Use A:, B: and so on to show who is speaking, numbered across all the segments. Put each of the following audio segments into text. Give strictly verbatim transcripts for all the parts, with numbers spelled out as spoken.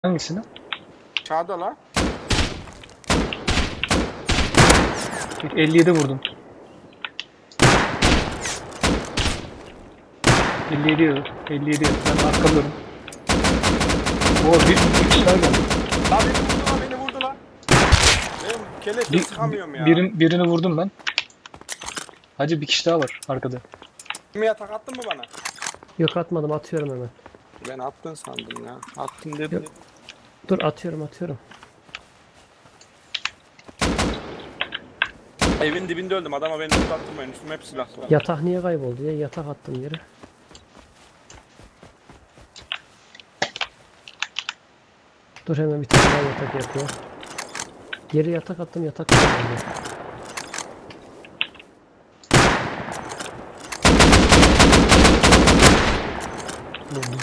A: Hangisini?
B: Çağda la.
A: elli yedi vurdum. elli yedi yedi. elli yedi yedi. Ben arkalıyorum. O bir, bir kişi daha geldi.
B: La beni vurdu la beni vurdu la. Ben keleşle
A: Bir,
B: sıkamıyorum ya.
A: birin, birini vurdum ben. Hacı bir kişi daha var arkada.
B: Kimi yatak attın mı bana?
C: Yok atmadım, atıyorum hemen.
B: Ben attın sandım ya. Attın dedim.
C: Yok. Dur atıyorum atıyorum.
B: Evin dibinde öldüm. Adama beni tutattırmayın. Üstüme hep silah var.
C: Yatak niye kayboldu ya? Yatak attım yere. Dur hemen bir tane daha yatak yapıyor. Yere yatak attım, yatak kayboldu.
A: Vurdum.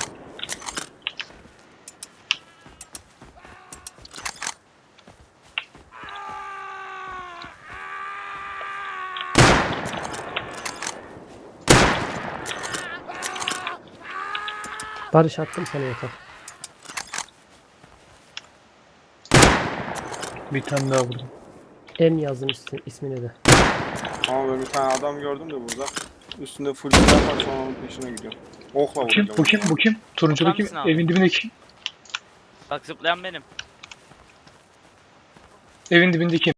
C: Barış attım sana yatak.
A: Bir tane daha vurdum.
C: M yazdım ismi, ismini de.
B: Ama ben bir tane adam gördüm de burada. Üstünde full silah var, sonra onun peşine gidiyorum. Okla
A: Bu kim?
B: vuracağım.
A: Bu kim? Bu kim? Turuncudaki
D: Bakar mısın abi?
A: evin dibindeki.
D: Bak zıplayan benim.
A: Evin dibindeki.